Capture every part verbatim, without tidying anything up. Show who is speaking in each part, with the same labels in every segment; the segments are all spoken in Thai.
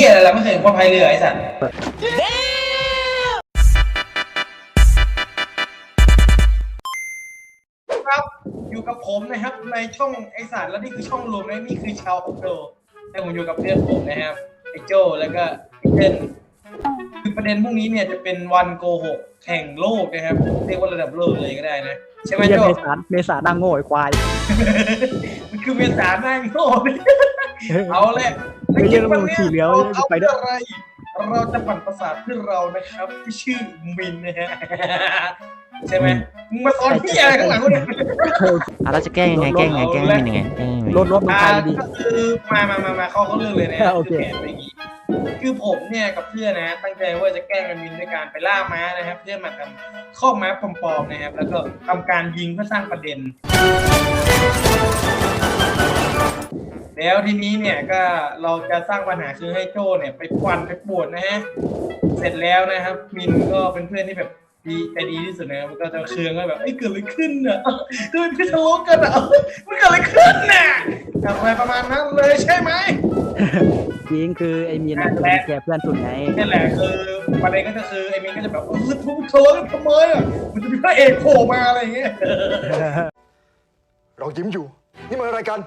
Speaker 1: ยอะไรไม่เคยเห็นคนพายเรือไอ้สัตว์ครับอยู่กับผมนะครับในช่องไอสัตว์แล้วนี่คือช่องรวมนะนี่คือชาวโอโดแต่ผมอยู่กับเพื่อนผมนะครับไอโจแล้วก็ไอเต้นคือประเด็นพวกนี้เนี่ยจะเป็นวันโกหกแข่งโลกนะครับเรียกว่าระดับโลกเลยก็ได้นะใช่ไหมโจ
Speaker 2: เมษาเมษาดังโง่ไอ้ควาย
Speaker 1: มันคือเมษาหน้าโง่เอาแหละ
Speaker 2: ไม่ใช่ระบบขี่เลี้ยว
Speaker 1: เอา
Speaker 2: ไปด้วย
Speaker 1: อะไรเราจะปั่นประสาทเพื่อเรานะครับที่ชื่อมินนะฮะใช่ไหมมึงมาตอนพี่อะไรข้างหลังกูเนี่ย
Speaker 3: อ่ะเราจะแก้ยังไงแก้ยังไงแก้ยังไงแก้ยังไง
Speaker 2: รถรถมัน
Speaker 1: อ่า
Speaker 2: ไปดี
Speaker 1: ก็คือมามามามาเข้าเขาเรื่องเลยนะ
Speaker 2: โอเค
Speaker 1: แผนเป็นอย่างนี้คือผมเนี่ยกับเพื่อนนะตั้งใจว่าจะแกล้งมินด้วยการไปล่าม้านะครับเพื่อมาทำข้อม้าปลอมๆนะครับแล้วก็ทำการยิงเพื่อสร้างประเด็น แล้วทีนี้เนี่ยก็เราจะสร้างปัญหาคือให้โจ้เนี่ยไปควันไปปวดนะฮะเสร็จแล้วนะครับมินก็เป็นเพื่อนที่แบบดีใจดีที่สุดนะครับมันก็จะเคืองก็แบบเอ้ยเกิดอะไรขึ้นอ่ะทำไมพี่ทะเลาะกันอ่ะมันเกิดอะไรขึ้นน่ะอะไรประมาณนั้นเลยใช่ไหม
Speaker 2: จริงคือไอ้มีนจะเป็นแกเพื่อนสุดไง
Speaker 1: นี่แหละคือประเด็นก็คือไอ้มินก็จะแบบเออทุบทะเลาะกันทำไมอ่ะมันจะมีพระเอกโผล่มาอะไรอย่างเงี้ย
Speaker 4: เรายิ้มอยู่ นี่มันอะไรกัน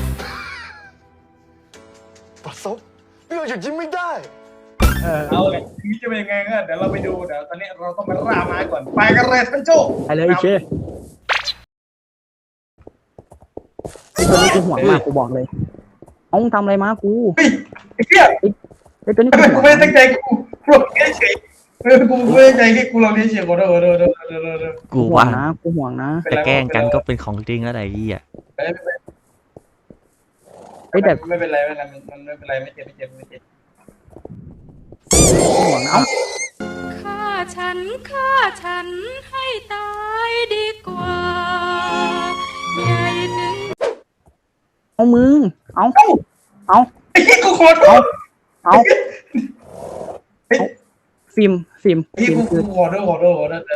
Speaker 4: ปัสสาวะนี่เราหยุดยิ้มไม่ได้
Speaker 2: เออ
Speaker 1: เอาเลยทีนี้จะเป็นยังไงก็เดี๋ยวเราไปดูเดี๋ยวตอนนี้เราต้องไปล่าม้าก่อนไปกันเลยท่านโจ้
Speaker 2: ไปเลยไอ้เชไอ้ตัวนี้กูห่วงมากกูบอกเลยเอามึงทำอะไรมากู
Speaker 1: เฮ้ยไอ้เหี้ย
Speaker 2: ไอ้ตัวนี้
Speaker 1: ทำ
Speaker 2: กู
Speaker 1: ไม
Speaker 2: ห่วง
Speaker 1: กูไม่ได้ตั้งใจกูกูลองเลี้ยงเฉยเออกูไม่ได้ตั้งใจแค่กูลองเลี้ยงเฉยขอโทษขอโทษขอโทษขอโทษขอโทษ
Speaker 3: กู
Speaker 2: ห่ว
Speaker 3: ว่าง
Speaker 2: นะกูห่วงนะ
Speaker 3: แต่แกล้งกันก็เป็นของจริงแล้วไอ้ยี่อ่ะ
Speaker 2: ไอ้แต่
Speaker 1: ไม่เป็นไรไม่เป็นไรมันไม่เป็นไรไม่เจ็บไม่เจ็บไม่เจ็บ
Speaker 2: กูห่วงนะเอา
Speaker 5: ฆ่าฉันฆ่าฉันให้ตายดีกว่าใหญ่ถึง
Speaker 2: เอามึงเอาเอา
Speaker 1: ไอ้ที่กูขอโทษ
Speaker 2: เอาฟิล์มฟิล์ม
Speaker 1: ไอ้ที่
Speaker 2: ฟิล์ม
Speaker 1: กู
Speaker 2: คือ
Speaker 1: ขอโทษขอโทษขอโทษ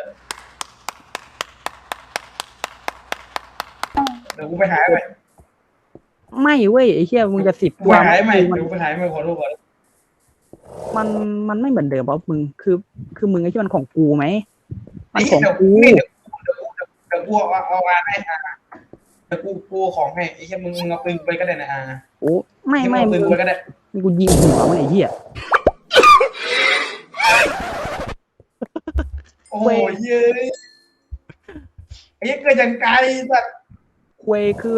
Speaker 1: เดี๋ยวกูไปหายใหม่
Speaker 2: ไม่เว้ยไอ้เหี้ยมึงจะสิบ
Speaker 1: กู
Speaker 2: ตัว
Speaker 1: หายใหม่
Speaker 2: มัน
Speaker 1: เดี๋ยวกูไปหายใหม่ขอโทษขอโทษ
Speaker 2: มันมันไม่เหมือนเดิมเพราะมึงคือคือมึงไอ้ที่มันของกูไหมมันของ
Speaker 1: เดี๋ยว
Speaker 2: กู
Speaker 1: นี่เดี๋ยวเดี๋ยวเดี๋ยวกูเอาเอาอาให้อ่ะเดี๋ยวกูกูของให้ไอ้แค่มึงมึงเอาปืนไปก็ได้นะอ่ะ
Speaker 2: โอ้ไม่ไม่
Speaker 1: เอาปื
Speaker 2: มึ
Speaker 1: น
Speaker 2: ง
Speaker 1: ไปก็ได้
Speaker 2: มึงกูยิงหัวมันไอ้เหี้ย
Speaker 1: โอ้ยเย้ยไอ้เหี้ยเกิดอย่างไกลสัตว์
Speaker 2: ควยคือ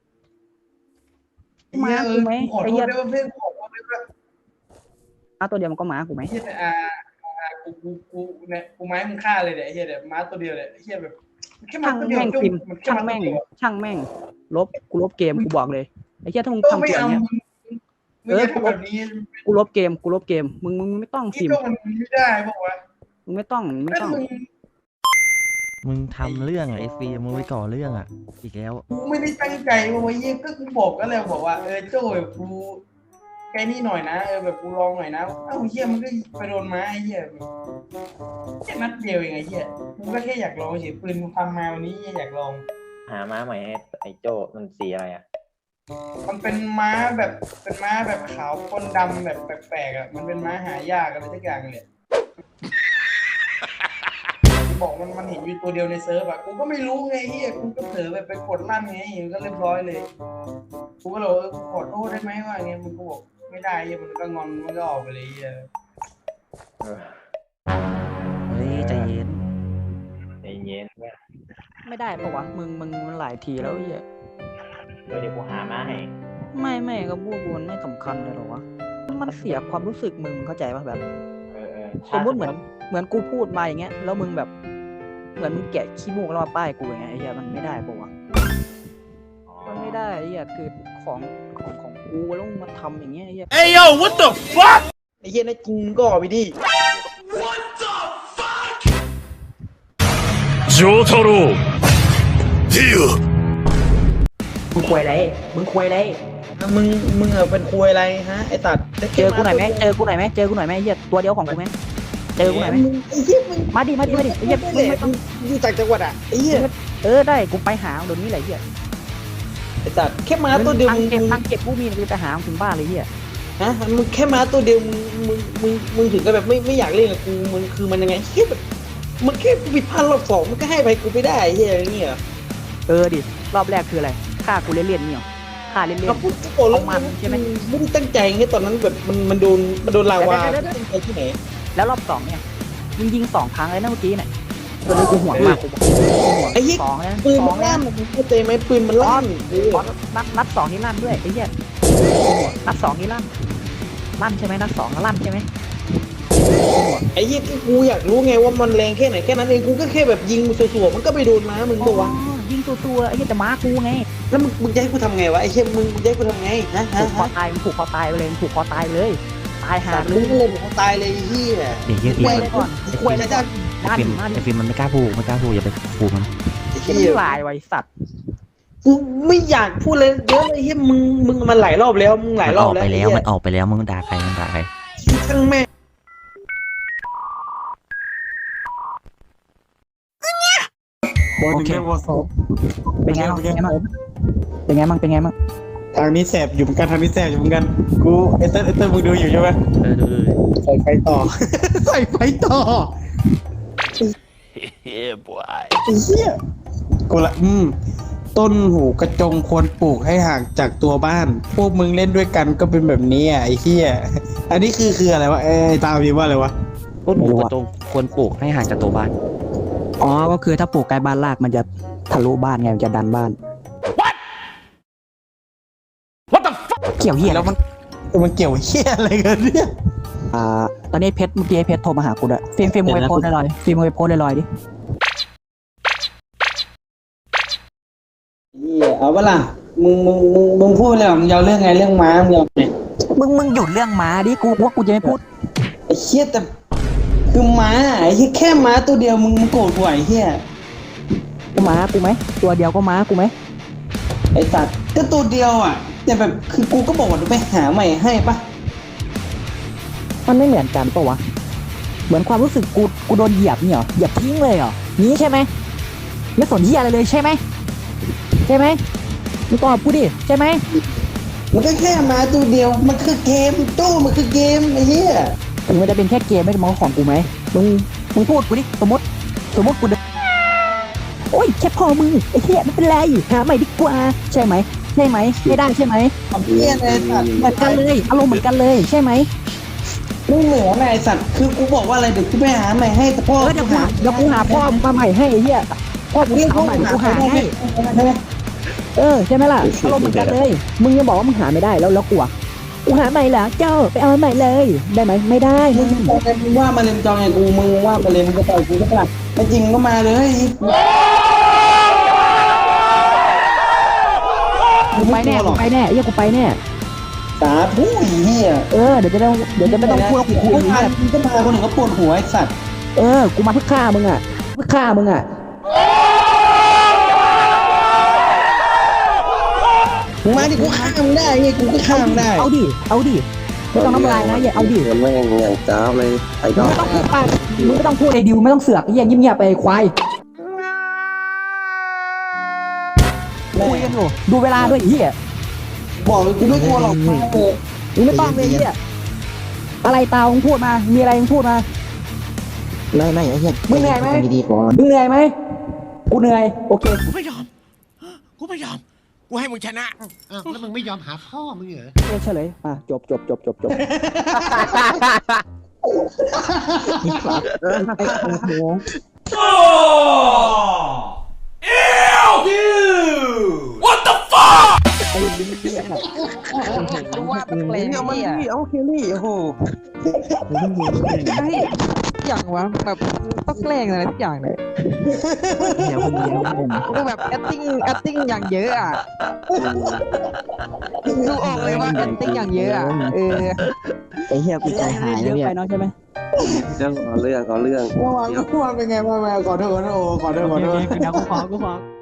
Speaker 2: ม้า
Speaker 1: เอ
Speaker 2: กู
Speaker 1: อ
Speaker 2: ไหม
Speaker 1: ขอ
Speaker 2: ไอ้
Speaker 1: โท
Speaker 2: เหี้
Speaker 1: ษ
Speaker 2: ย
Speaker 1: ด้วยว่าเพื่อนขอโทษด้วยว่า
Speaker 2: ม้าตัวเดียวมันก็ม้ากูไหม
Speaker 1: ไอ้เหี้ยอ่าอ่ากูกูกูเนี่ยกูไม้มึงฆ่าเลยเนี่ยไอ้เหี้ยเดี๋ยวม้าตัวเดียวเนี่ยไอ้เหี้ยแบบแค่ม้า
Speaker 2: ช่าง
Speaker 1: ตัวเดียว
Speaker 2: แม่ง
Speaker 1: จุ๊บ
Speaker 2: ฟิล์ม
Speaker 1: มันแค่
Speaker 2: ช่าง
Speaker 1: ม้า
Speaker 2: แม่ง
Speaker 1: ตัวเดียว
Speaker 2: ช่างแม่งลบกูลบเกมกูบอกเลยไอ้เหี้ยถ้ามึง
Speaker 1: เออ
Speaker 2: ทำ
Speaker 1: ไม่
Speaker 2: ตัว
Speaker 1: เอา
Speaker 2: เนี้ย
Speaker 1: มึงมึงอย่าทำแบบนี้
Speaker 2: กูลบเกมกูลบเกมมึงมึงไม่ต้อง
Speaker 1: ที่
Speaker 2: ฟิล์ม
Speaker 1: ก็มันไม่ได้บอกว่า
Speaker 2: มึงไม่ต้องมึงไม่
Speaker 1: ถ้า
Speaker 2: ต้อง
Speaker 1: มึง
Speaker 3: มึงทำเรื่องอ่ะไอ้ฟีมึงไปก่อเรื่องอ่ะอีกแล้ว
Speaker 1: กูไม่ได้ตั้งใจว่าไอ้เหี้ยก็กูบอกก็แล้วบอกว่าเออโจ้ยกูแค่นี้หน่อยนะเออแบบกูลองหน่อยนะเอ้าเหี้ยมันก็ไปโดนม้าไอ้เหี้ยแค่นัดเดียวเองไอ้เหี้ยกูก็แค่อยากลองเฉยปืนกูทำมาวันนี้อยากลอง
Speaker 6: หาม้าใหม่ให้ไอ้โจ้มันสีอะไรอ่ะ
Speaker 1: มันเป็นม้าแบบเป็นม้าแบบขาวปนดำแบบแปลกๆอ่ะมันเป็นม้าหายากอะไรสักอย่างเลยบอกมันมันเห็นอยู่ตัวเดียวในเซิร์ฟอ่ะกูก็ไม่รู้ไงเฮียกูก็เผลอไปไปกดลั่นไงก็เรียบร้อยเลยกูก็เลยเออกูขอโทษได้ไหมว่าไงมันก็บอกไม่ได้เฮียมันก็งอนมันก็ออกไปเลยเฮีย
Speaker 6: เออ
Speaker 3: เฮ้ยใจเย็น
Speaker 6: ใจเย็นเนี่ย
Speaker 2: ไม่ได้ปะวะมึงมึงมันหลายทีแล้วไอ้เหี้ย
Speaker 6: เดี๋ยวเดี๋ยวกูหาม้าให้
Speaker 2: ไม่ไม่ก็พูดกูมันไม่สำคัญเลยหรอวะมันเสียความรู้สึกมึงเข้าใจป่ะแบบ
Speaker 6: เออเออ
Speaker 2: สมมติเหมือนเหมือนกูพูดมาอย่างเงี้ยแล้วมึงแบบเหมือนมึงแกะขี้มูกแล้วมาป้ายกูอย่างเงี้ยไอ้เหี้ยมันไม่ได้ปะวะ
Speaker 6: อ๋อ
Speaker 2: มันไม่ได้ไอ้เหี้ยคือของของของกูแล้วมึงมาทำอย่างเงี้ยไอ้เหี้ย
Speaker 1: ไอ้เฮียนะจริงก็ออกไปดิ
Speaker 4: โจทาโร่ดิว
Speaker 2: มึงควยอะไรมึงควยอะไร
Speaker 1: มึงมึงเออเป็นคุยอะไรฮะไอ้ตัด
Speaker 2: เจอกูหน่อยไหมเจอกูหน่อยไหมเจอกูหน่อยไหมไอ้เหี้ยตัวเดียวของกูไหมเจอกูหน่อยไหม
Speaker 1: ไอ้เฮียมึง
Speaker 2: มาดิมาดิมาดิไอ้เหี้ยมึงไม่ต้อง
Speaker 1: อยู่จากจังหวัดอ่ะไอ้เฮีย
Speaker 2: เออได้กูไปหาเดี๋ยวนี้แหละไอ้เหี้ย
Speaker 1: ไอ้ตัดแค่ม้าตัวเดียว
Speaker 2: ตัง
Speaker 1: มึง
Speaker 2: เก็บตังเก็บกูมีกูจะหาถึงบ้านเลยไอ้เหี้ย
Speaker 7: ฮะมึงแค่ม้าตัวเดียวมึงมึงมึงมึงถึงกับแบบไม่ไม่อยากเล่นกับกูมึงคือมันยังไงเฮียแบบมันแค่ผิดพลาดรอบสองมันก็ให้ไปกูไปได้เฮียอย่างเงี้ย
Speaker 2: เออดิรอบแรกคืออะไรฆ่ากูเล่นๆเนี่ยฆ่าเล่น
Speaker 7: ก็พูดโกรธแล้ว
Speaker 2: เอามันใช่ไหม
Speaker 7: ไม่ได้ตั้งใจไงตอนนั้นแบบมันมันโดนมันโดนลาวา
Speaker 2: เดี๋ยวๆๆ
Speaker 7: ตั้งใจที่ไหน
Speaker 2: ๆแล้วรอบสองเนี่ยมึงยิงสองครั้งเลยนะเมื่อกี้เนี่ยตอนนี้กูห่วงมากกูบอก
Speaker 7: ไอ้เหี้ย
Speaker 2: สองเลยนะ
Speaker 7: ปืน
Speaker 2: ส
Speaker 7: มั
Speaker 2: อง
Speaker 7: น
Speaker 2: เลย
Speaker 7: ลั่น
Speaker 2: นะ
Speaker 7: มึงเข้าใจไหมปืนมันลั่นเออ
Speaker 2: อ๋อนัดนัดสองนี่ลั่นด้วยไอ้เหี้ยนัดสองนี่ลั่นลั่นใช่ไหมนัดสองลั่นใช่ไหม
Speaker 7: ไอ้เหี้ยกูอยากรู้ไงว่ามันแรงแค่ไหนแค่นั้นเองกูก็แค่แบบยิงสัวๆมันก็ไปโดนม้ามึงตัววะ
Speaker 2: อ๋อยิงตัวตัวๆไอ้เหี้ยแต่ม้ากูไง
Speaker 7: แล้วมึงมึงจะให้กูทำไงวะไอ้เหี้ยมึงมึงจะให้กูทำไงฮะฮะ
Speaker 2: ผูกคอ
Speaker 7: ฮะ
Speaker 2: ตายมึงผูกคอตายไปเลยมึงผูกคอตายไปเลยตายหา
Speaker 7: สาม
Speaker 2: เล
Speaker 7: มึ
Speaker 2: ย
Speaker 7: งก็เลยบอกว่าตายเลยไอ้เหี้ย
Speaker 3: เดี๋ยวเฮีย
Speaker 2: ค
Speaker 3: ฟิ
Speaker 2: วย
Speaker 3: ล์ม
Speaker 2: เลยก่อนควยเลยก่อน
Speaker 3: ไอ้
Speaker 2: ลั่น
Speaker 3: ฟิล์ม
Speaker 2: ลั่น
Speaker 3: ไอ้ฟิล์มมันไม่กล้าพูดไม่กล้าพูดอย่าไปพูดมัน
Speaker 7: ไอ้
Speaker 2: เหี้
Speaker 7: เหี้
Speaker 2: ย
Speaker 7: ย
Speaker 2: ลายไว้สัตว์
Speaker 7: กูไม่อยากพูดเลยเยอะเลยเหี้ยมึงมึงมันหลายรอบแล้วมึงหลาย
Speaker 3: มัน
Speaker 7: ร
Speaker 3: อ
Speaker 7: อบ
Speaker 3: อก
Speaker 7: แล้ว
Speaker 3: ไปแล้ว
Speaker 7: ไอ้เหี้ย
Speaker 3: มันออกไปแล้วมึงด่าใครมึงด่าใคร
Speaker 7: ช่างแม่ง
Speaker 2: โอเคเป็นไงบ้างเป็นไงบ้างเป็นไงบ้างเป็นไงบ้าง
Speaker 7: ทางนี้แสบอยู่เหมือนกันทางนี้แสบอยู่เหมือนกันกูเอเตอร์เอเตอร์มึงดูอยู่ใช่ไหม
Speaker 3: เออดูดูดู
Speaker 7: ใส่ไฟต่อ ใส่ไฟต่อ
Speaker 4: เฮ้ยบอย
Speaker 7: ไอ้เหี้ยกูละอืมต้นหูกระจงควรปลูกให้ห่างจากตัวบ้าน พวกมึงเล่นด้วยกันก็เป็นแบบนี้อ่ะไอ้เหี้ยอันนี้คือคืออะไรวะเอ้ยตามพี่ว่าอะไรวะ
Speaker 3: ต้นหูกระจงควรปลูกให้ห่างจากตัวบ้าน
Speaker 2: อ๋อก็คือถ้าปลูกใกล้บ้านรากมันจะทะลุบ้านไงมันจะดันบ้าน
Speaker 4: What the fuck
Speaker 2: เกี่ยวเหี้ย
Speaker 7: แล้วมันมันเกี่ยวเหี้ยอะไรกันเนี่ย
Speaker 2: อ่าตอนนี้เพชรเมื่อกี้เพชรโทรมาหากูด้วยฟิล์มฟิล์มมึงไปโพสต์ลอยๆฟิล์มมึงไปโพสต์ลอยๆดิ
Speaker 7: เหี้ยเอาเวล่ะมึงมึงมึงมึงพูดเลยมึงยาวเรื่องไงเรื่องม้ามึงยาวไง
Speaker 2: มึงมึงหยุดเรื่องม้าดิกูว่ากูจะไม่พูด
Speaker 7: ไอ้เหี้ยแต่คือม้าไอ้เหี้ยแค่ม้าตัวเดียวมึงมึงโกรธกูไอ้เหี้ย
Speaker 2: กูม้ากูไหมตัวเดียวก็ม้ากูไหม
Speaker 7: ไอ้สัตว์ก็ตัวเดียวอ่ะแต่แบบคือกูก็บอกว่าจะไปหาใหม่ให้ปะ
Speaker 2: มันไม่เหมือนกันปะวะเหมือนความรู้สึกกูกูโดนเหยียบเนี่ยเหรอเหยียบทิ้งเลยเหรอนี้ใช่ไหมไม่สนเหี้ยอะไรเลยใช่ไหมใช่ไหมมึงตอบกูดิใช่ไหม
Speaker 7: มันก็แค่ม้าตัวเดียวมันคือเกมตู้มันคือเกมไอ้เหี้ย
Speaker 2: ถึงมันจะเป็นแค่เกมไม่ได้มองของกูไหมมึงมึงพูดกูดิสมมติสมมติกูเดินโอ้ยแค่พอมึงไอ้เหี้ยไม่เป็นไรหาใหม่ดีกว่าใช่ไหมใช่ไหมไม่ได้ใช่ไหม
Speaker 7: ทำเหี้ยอะไรสัตว์
Speaker 2: เหมือนกันเลยอารมณ์เหมือนกันเลยใช่ไหม
Speaker 7: ไม่เหนือไงไอ้สัตว์คือกูบอกว่าอะไรเดี๋ยวกูไปหาใหม่ให้แต่พ่อ
Speaker 2: เออเดี๋ยวกูหาเดี๋ยวกูหาพ่อมาใหม่ให้ไอ้เหี้ยพ่อกู
Speaker 7: เรียกพ่อ
Speaker 2: เอาใหม่
Speaker 7: หา
Speaker 2: กูหา
Speaker 7: ได้
Speaker 2: ให้
Speaker 7: ใช่ไหม
Speaker 2: เออใช่ไหมล่ะอารมณ์เหมือนกันเลย มึงยังบอกว่ามึงหาไม่ได้แล้วแล้วกูอะกูหาใหม่เหรอเจ้าไปเอาใหม่เลย ได้ไหมไม่ได้
Speaker 7: มึ
Speaker 2: มึ
Speaker 7: ง
Speaker 2: ง
Speaker 7: ตอนนั้นมึงว่ามาเลยมึงจองไงกูมึงว่ามาเลยมึงก็ต่อยกูก็ปะล่ะไม่จริงก็มาเลย
Speaker 2: กูไปแน่กูไปแน่ไอ้เหี้ยกูไปแน่
Speaker 7: สาผู้ไอ้เหี้ย
Speaker 2: เออเดี๋ยวจะได้เดี๋ยวจะไม่ต้องพูดว่ากูคุย
Speaker 7: กู
Speaker 2: ไอ้
Speaker 7: พา
Speaker 2: เหี้ย
Speaker 7: มึงก็พาคนอื่นก็ปวดหัวไอ้สัตว์
Speaker 2: เออกูมาเพื่อฆ่ามึงอะเพื่อฆ่ามึงอะ
Speaker 7: มึงมาดิกูฆ่ามึงได้ไงกูก็ฆ่ามึงได้
Speaker 2: เอาดิเอาดิไม่ต้องน้ำลายนะอย่าเอาดิ
Speaker 8: แม่งอย่างจ้าบเลยไอ้ด
Speaker 2: มึง
Speaker 8: อก
Speaker 2: ไม่ต้องพูดไปมึงไม่ต้องพูดไอ้ดิวไม่ต้องเสือกไอ้เหี้ยเงียบๆไปไอ้ควายคุยกันอยู่ดูเวลาด้วยไอ้เหี้ย
Speaker 7: บอกเลยกูไม่กลัวหรอกเออ
Speaker 2: มึงไม่ต้องเลยไอ้เหี้ยอะไรตามึงพูดมา มีอะไรมึงพูดมา
Speaker 8: ไม่ไม่ไอ้เหี้ย
Speaker 2: มึงเหนื่อยไหม
Speaker 8: ดีๆก่อน
Speaker 2: มึงเหนื่อยไหมกูเหนื่อยโอเค
Speaker 9: กูไม่ยอม กูไม่ยอม กูให้มึงชนะ
Speaker 10: อ้าวแล้วมึงไม่ยอมหาพ่อมึงเหรอ
Speaker 2: เออเฉลยมาจบจบจบจบจบ
Speaker 4: What the fuck
Speaker 2: ว่าเป็นเพลง
Speaker 7: เอามา
Speaker 2: เนี่ย
Speaker 7: ดิเอาเคลลี่โอ้โห
Speaker 2: อย่างวะแบบต้องแกล้งอะไรทุกอย่างเลย
Speaker 3: เดี๋ยวมึงเดี๋ยวมึง
Speaker 2: กูแบบ acting acting อย่างเยอะอ่ะดูออกเลยว่า acting อย่างเยอะอ่ะเออ
Speaker 8: ไอ้เหี้ยกูใจหาย
Speaker 2: เย
Speaker 8: แล้ว
Speaker 2: อะ
Speaker 8: เนี่ย
Speaker 2: ไปเนาะใช่ไหม
Speaker 8: เรื่องเอาเรื่องเอาเรื่อง
Speaker 7: เมื่อวานเมื่อวานเป็นไงมามาขอโทษขอโทษขอโทษขอโทษ
Speaker 2: เดี๋ยวกูขอกูขอ